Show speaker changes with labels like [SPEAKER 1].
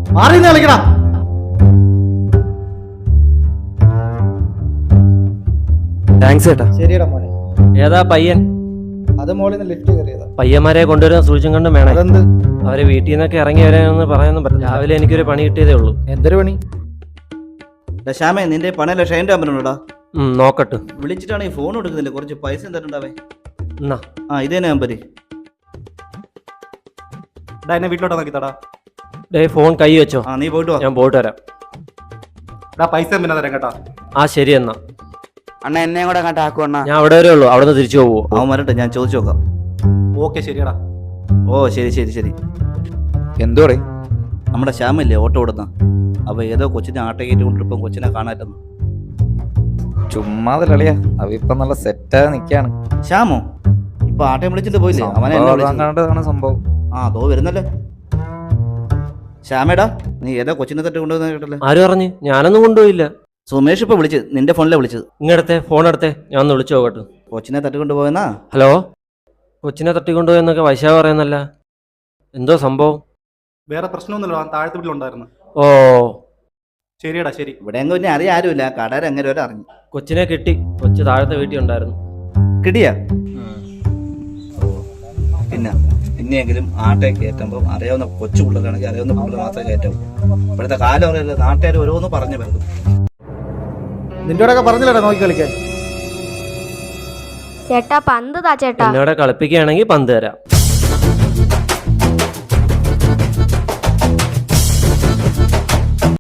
[SPEAKER 1] മാറി കളിക്കടാ.
[SPEAKER 2] താങ്ക്സ് ചേട്ടാ.
[SPEAKER 1] ശരിയടാ മോനെ.
[SPEAKER 3] ഏതാ പയ്യൻ?
[SPEAKER 1] അത് മോളിൽ നിന്ന് ലിഫ്റ്റ് കയറിയതാ.
[SPEAKER 3] പയ്യന്മാരെ കൊണ്ടുവരുന്ന സൂക്ഷിച്ചും കണ്ടും വേണം.
[SPEAKER 1] അതെന്ത്?
[SPEAKER 3] അവരെ വീട്ടിൽ നിന്നൊക്കെ ഇറങ്ങി വരാനൊന്നും പറയാനൊന്നും പറ്റില്ല. രാവിലെ എനിക്കൊരു പണി കിട്ടിയതേ ഉള്ളൂ.
[SPEAKER 1] എന്തൊരു പണി?
[SPEAKER 4] ശ്യാമേ, നിന്റെ പണയല്ല ഷൈൻ്റെ നമ്പറുണ്ടോടാ?
[SPEAKER 3] നോക്കട്ടെ.
[SPEAKER 4] വിളിച്ചിട്ടാണെങ്കിൽ ഫോൺ എടുക്കുന്നില്ല. കുറച്ച് പൈസ തരണ്ടാവേ.
[SPEAKER 3] എന്നാ
[SPEAKER 4] ഇതേ നമ്പര്.
[SPEAKER 2] എന്നെ വീട്ടിലോട്ട് നോക്കിത്താടാ.
[SPEAKER 3] ഡേ ഫോൺ കൈ വെച്ചോ.
[SPEAKER 4] നീ പോയിട്ട് വാ.
[SPEAKER 3] ഞാൻ പോയിട്ട് വരാം.
[SPEAKER 2] പൈസ പിന്നെ തരാം കേട്ടാ.
[SPEAKER 3] ശരി എന്നാ.
[SPEAKER 5] അണ്ണ എന്നെ കൂടെ കണ്ടാക്കു അണ്ണ.
[SPEAKER 3] ഞാൻ അവിടെ വരെ ഉള്ളൂ. അവിടെ നിന്ന് തിരിച്ചു പോവോ?
[SPEAKER 4] അവൻ വരട്ടെ, ഞാൻ ചോദിച്ചു നോക്കാം.
[SPEAKER 2] ഓക്കെ ശരിയടാ.
[SPEAKER 4] ശരി.
[SPEAKER 5] എന്തോടെ?
[SPEAKER 4] നമ്മുടെ ശ്യാമല്ലേ ഓട്ടോ ഓടുന്ന, അവ ഏതോ കൊച്ചിനെ ആട്ട കയറ്റി കൊണ്ടിരിപ്പം കൊച്ചിനെ കാണാറ്റെന്ന്.
[SPEAKER 5] ചുമ്മാതെ കളിയാ. അവ ഇപ്പൊ നല്ല സെറ്റായി നിക്കാണ്.
[SPEAKER 4] ശ്യാമോ ഇപ്പൊ ആട്ടയം വിളിച്ചിട്ട് പോയില്ലേ? അവനെ
[SPEAKER 5] കണ്ടതാണ് സംഭവം.
[SPEAKER 4] അതോ വരുന്നല്ലേ. ശ്യാമേടാ, നീ ഏതോ കൊച്ചിനെ തട്ടി കൊണ്ടുവന്ന കേട്ടല്ലേ?
[SPEAKER 3] ആര് പറഞ്ഞു? ഞാനൊന്നും കൊണ്ടുപോയില്ല.
[SPEAKER 4] സുമേഷ് ഇപ്പൊ വിളിച്ച്, നിന്റെ ഫോണിലെ വിളിച്ചത്.
[SPEAKER 3] ഇങ്ങടത്തെ ഫോൺ എടുത്തേ, ഞാൻ ഒന്ന് വിളിച്ചു നോക്കട്ടെ.
[SPEAKER 4] കൊച്ചിനെ തട്ടിക്കൊണ്ടുപോയെന്നാ.
[SPEAKER 3] ഹലോ, കൊച്ചിനെ തട്ടിക്കൊണ്ടുപോയെന്നൊക്കെ വൈശാഖ പറയുന്നല്ല. എന്തോ സംഭവം?
[SPEAKER 2] വേറെ പ്രശ്നമൊന്നുമില്ല. താഴത്തെ വീട്ടിലുണ്ടായിരുന്നു.
[SPEAKER 3] ഓ
[SPEAKER 2] ശരിയടാ ശരി.
[SPEAKER 4] ഇവിടെ എങ്ങും പിന്നെ അറിയാൻ ആരുമില്ല. കടയിൽ എങ്ങനെ വരെ അറിഞ്ഞു.
[SPEAKER 3] കൊച്ചിനെ കിട്ടി. കൊച്ചു താഴത്തെ വീട്ടിൽ ഉണ്ടായിരുന്നു.
[SPEAKER 4] കിട്ടിയാ? പിന്നെ ഇനിയെങ്കിലും ആട്ടെ കയറ്റുമ്പോൾ അറിയാവുന്ന കൊച്ചു പിള്ളേരാണെങ്കിൽ അറിയാവുന്ന പിള്ളേർ മാത്രമേ കയറ്റാവൂ. ഇവിടുത്തെ കാലം അറിയില്ല. നാട്ടുകാർ ഓരോന്ന് പറഞ്ഞു വരുന്നു.
[SPEAKER 1] നിന്റെയോടൊക്കെ പറഞ്ഞില്ലടാ നോക്കി കളിക്കാൻ.
[SPEAKER 6] ചേട്ടാ പന്ത് താ ചേട്ടാ.
[SPEAKER 3] എന്നോടെ കളിപ്പിക്കുകയാണെങ്കിൽ പന്ത് തരാം.